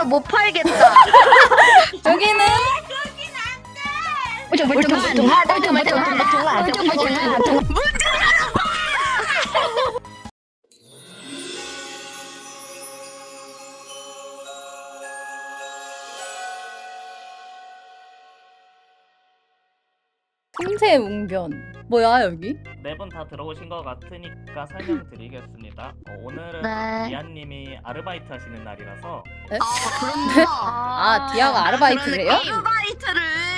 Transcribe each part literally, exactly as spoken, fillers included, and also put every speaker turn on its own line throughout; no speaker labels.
돼서 못 팔겠다.
여기는
멀뚱멀뚱하다. 멀뚱멀뚱하다. 멀뚱멀뚱하다.
틈새 웅변. 뭐야 여기?
네 분 다 들어오신 것 같으니까 설명드리겠습니다. 어, 오늘은
네.
디아님이 아르바이트 하시는 날이라서
아, 그런데
아, 디아가 아르바이트를 해요?
아르바이트를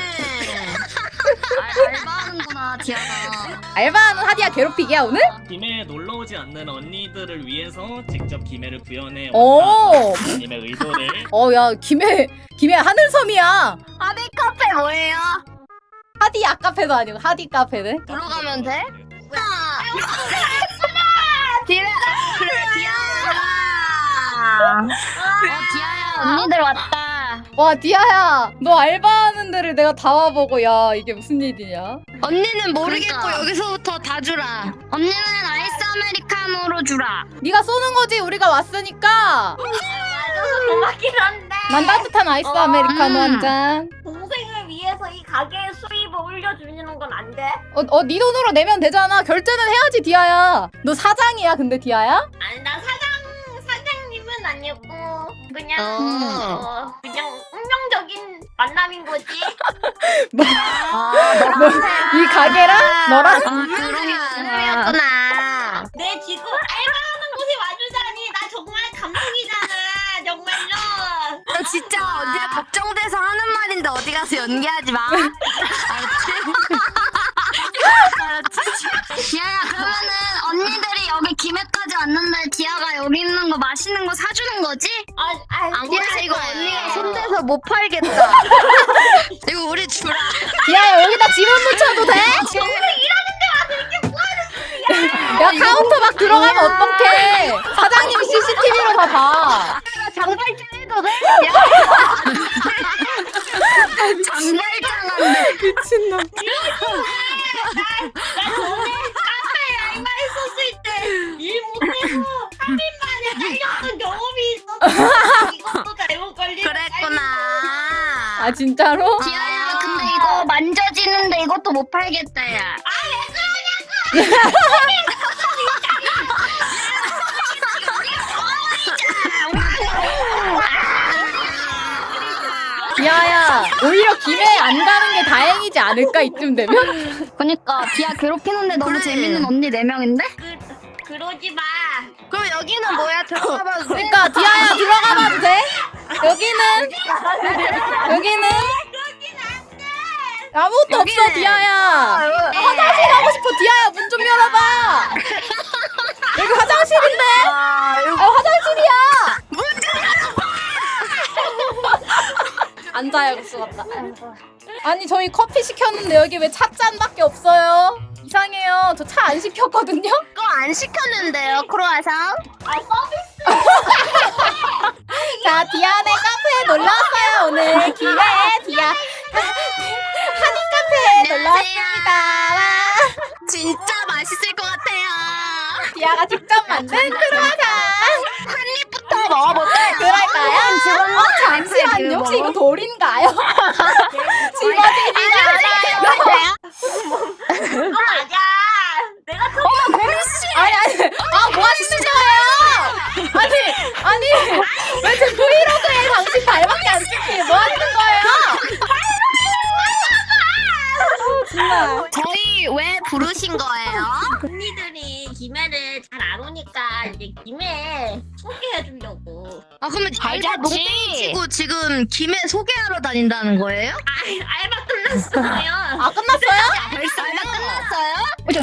아, 알바하는구나 디아가.
알바하는 하디야 괴롭히기야 오늘?
김해에 놀러오지 않는 언니들을 위해서 직접 김해를 구현해
오.
왔다. 디아님의 의도를
어, 야 김해 김해 하늘섬이야.
하디 카페 뭐예요?
하디 아카페도 아니고 하디 카페네.
들어가면 돼? 디아 그래 디아야. 어 디아야 언니들 왔다.
와 디아야, 너 알바하는 데를 내가 다 와보고 야 이게 무슨 일이냐?
언니는 모르겠고 그러니까. 여기서부터 다 주라. 언니는 아이스 아메리카노로 주라.
네가 쏘는 거지 우리가 왔으니까.
맞아서 고맙긴 한데
난 따뜻한 아이스
어,
아메리카노
음.
한 잔.
동생을 위해서 이 가게의 수입을 올려주는 건 안 돼?
어, 어, 네 돈으로 내면 되잖아. 결제는 해야지 디아야. 너 사장이야 근데 디아야?
아니 나 사장 사장님은 아니고 그냥
어.
어, 그냥 운명적인 만남인 거지.
아,
너, 이 가게랑 너랑?
아, 그러겠구나.
내 지금 알바하는 곳에 와주다니 나 정말 감동이잖아. 정말로.
너 진짜 언니가 걱정돼서 하는 말인데 어디 가서 연기하지 마. 알았지? 알았지? 디아야 그러면은 언니들이 여기 김해까지 왔는데 디아가 여기 있는 거 맛있는 거 사주는 거지?
아, 아,
안
디아,
그래 이거
거예요.
언니가 손대서 못 팔겠다. 이거 우리 주라.
디아야 여기다 지문 붙여도 돼? 야 카운터 막 들어가면 어떡해. 사장님이 씨씨티비로 다 봐.
장발장 해도 돼? 장발장한데.
미친놈.
나 전에 카페에 알바했었을 때 일 못해서 삼 일 만에 잘렸던 경험이 있었어. 이것도 잘못 걸리면
그랬구나.
아 진짜로?
디아야 근데 이거 만져지는데 이것도 못 팔겠다 야.
디아야 오히려 김해 안 가는 게 다행이지 않을까 이쯤 되면?
그니까 디아 괴롭히는데 너무 재밌는 언니 네 명인데?
그, 그러지 마.
그럼 여기는 뭐야? 들어가봐도 돼?
그러니까 디아야 들어가봐도 돼? 여기는 여기는 아무것도 없어
여기는-
디아야. 화장실 가고 싶어 디아야 문 좀 열어봐. 여기 화장실인데?
아, 이거
아 화장실이야. 앉아야 수 같다. 아니 저희 커피 시켰는데 여기 왜 찻잔밖에 없어요? 이상해요. 저 차 안 시켰거든요.
그거 안 시켰는데요, 크로아상?
아 서비스.
자 디아네 카페에 놀러 왔어요 오늘. 김해 디아 한인 카페에 놀러 왔습니다. 와.
진짜 맛있을 것 같아요.
디아가 직접 만든 크루아상.
한 입부터 먹어볼까요?
그럴까요? 어, 잠시만요. 혹시 이거 돌인가요? 집어지지가 않아요.
그거 맞아. 내가 더
아니 아니 아 뭐 하시는 거예요? 아니 아니 왜 제 브이로그에 당신 발밖에 안 찍히게 뭐 하시는 거예요? 아, 정말.
저희 왜 부르신 거예요?
언니들이 김해를 잘 안 오니까 이제 김해 소개해 주려고.
아 그러면
잘
알바
잤지?
농땡이 치고 지금 김해 소개하러 다닌다는 거예요?
아 알바 끝났어요.
아 끝났어요?
벌써 알바 끝났어요?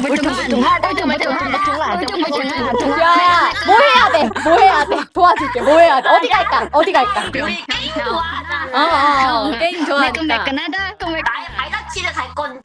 야야 뭐 해야 돼? 뭐 해야 돼? 도와줄게. 뭐 해야 돼? 어디 갈까? 어디 갈까?
우리 게임 좋아하잖아.
어, 어, 어 게임 좋아하니까.
매끈매끈하다.
나의 발자취를 갈 건데.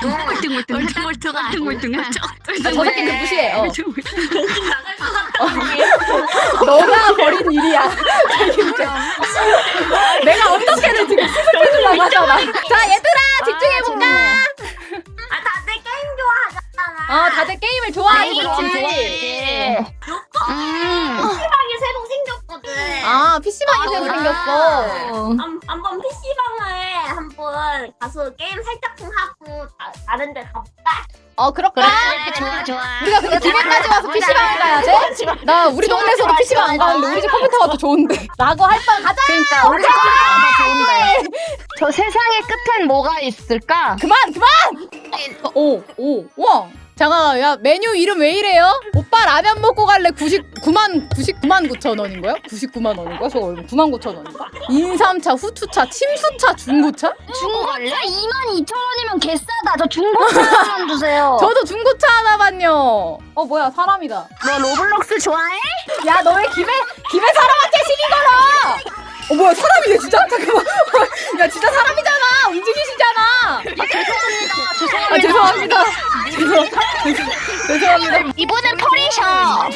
멀뚱멀뚱하다.
아, 저 새끼 무시해. 어.
정신 나갈 것 같아.
너가 버린 일이야. 진짜. 내가 어떻게든 지금 수습해주려고 하잖아. 자 얘들아 집중해볼까?
아 다들 게임 좋아하잖아.
어 다들 게임을 좋아하지.
게임 좋아하지.
요거
음.
피방이 새로 생겼거든.
아 아 피씨방이 새로 생겼어.
한, 한번 피씨방에 한번 가서 게임 살짝 좀 하고 다, 다른 데 가볼까?
어 그럴까?
그래 좋아 좋아.
우리가 근데 기계까지 와서 피씨방을 가야 돼? 나 우리 동네에서도 피씨방 안 가는데 우리 집 컴퓨터가 더 좋은데. 라고 할 뻔 가자.
그러니까 우리 집 컴퓨터가 더 좋은데. 저 세상의 끝엔 뭐가 있을까?
그만 그만. 오 오 우와. 잠깐 야 메뉴 이름 왜 이래요? 오빠 라면 먹고 갈래 구십구만 구십구만 구천 원인 거야? 구십구만 원인 거야? 저거 얼마? 구만 구천 원인가? 인삼차, 후추차, 침수차, 중고차?
중고차 이만 이천 원이면 개싸다. 저 중고차 하나만 주세요.
저도 중고차 하나만요. 어 뭐야 사람이다.
너 로블록스 좋아해?
야 너 왜 김에 김에 사람한테 시비 걸어? 어 뭐야 사람이네 진짜? 잠깐만. 야 진짜 사람이잖아. 움직이시잖아.
죄송합니다.
아 죄송합니다. 죄송 죄송합니다.
이번엔 펄이셔.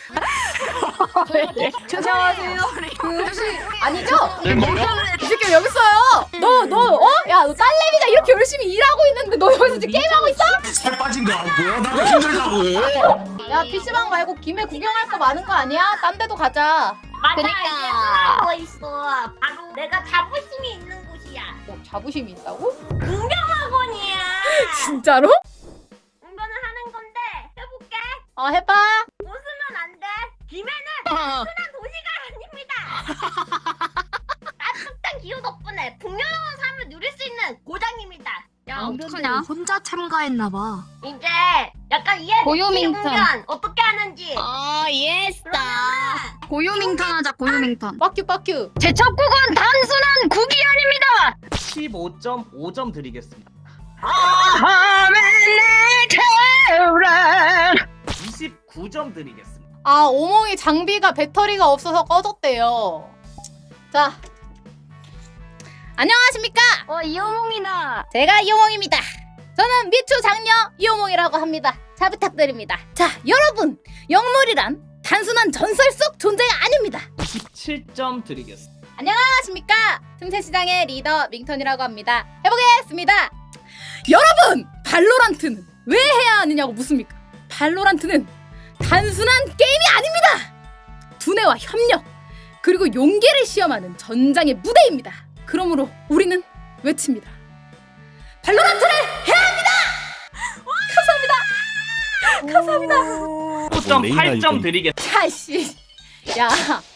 죄송하세요. 그 혹시 아니죠? 이 새끼 여기 있어요. 너 너 어? 야 너 딸내미가 이렇게 열심히 일하고 있는데 너 여기서 지금 게임하고 있어?
살 빠진 거 아니고요? 나도 힘들다고.
야 피씨방 말고 김에 구경할 거 많은 거 아니야? 딴 데도 가자.
맞아
그러니까.
이제 하나 있어. 바로 내가 자부심이 있는 곳이야.
뭐 자부심이 있다고?
공병학원이야.
진짜로?
공부는 하는 건데 해볼게.
어 해봐.
웃으면 안 돼. 김해는 흔한 도시가 아닙니다. 따뜻한 기후 덕분에 풍요로운 삶을 누릴 수 있는 고장입니다.
야 어떡하냐?
혼자 참가했나봐.
이제 약간 이해
고요민턴.
공연 어떻게 하는지.
아 예스다. 고요밍턴 하자 고요밍턴.
빡큐 빡큐.
제 첫 곡은 단순한 국이 아닙니다.
십오 점 오 점 드리겠습니다. 이십구 점 드리겠습니다.
아 오몽이 장비가 배터리가 없어서 꺼졌대요. 자 안녕하십니까?
어 이호몽이다.
제가 이호몽입니다. 저는 미추 장녀 이호몽이라고 합니다. 잘 부탁드립니다. 자 여러분 영물이란 단순한 전설 속 존재가 아닙니다.
이십칠 점 드리겠습니다.
안녕하십니까? 틈새시장의 리더 밍턴이라고 합니다. 해보겠습니다. 여러분 발로란트는 왜 해야 하느냐고 묻습니까? 발로란트는 단순한 게임이 아닙니다. 두뇌와 협력 그리고 용기를 시험하는 전장의 무대입니다. 그러므로 우리는 외칩니다. 발로란트를 해야 합니다. 감사합니다. 감사합니다.
오 점 팔 점 드리겠습니다.
차씨, 야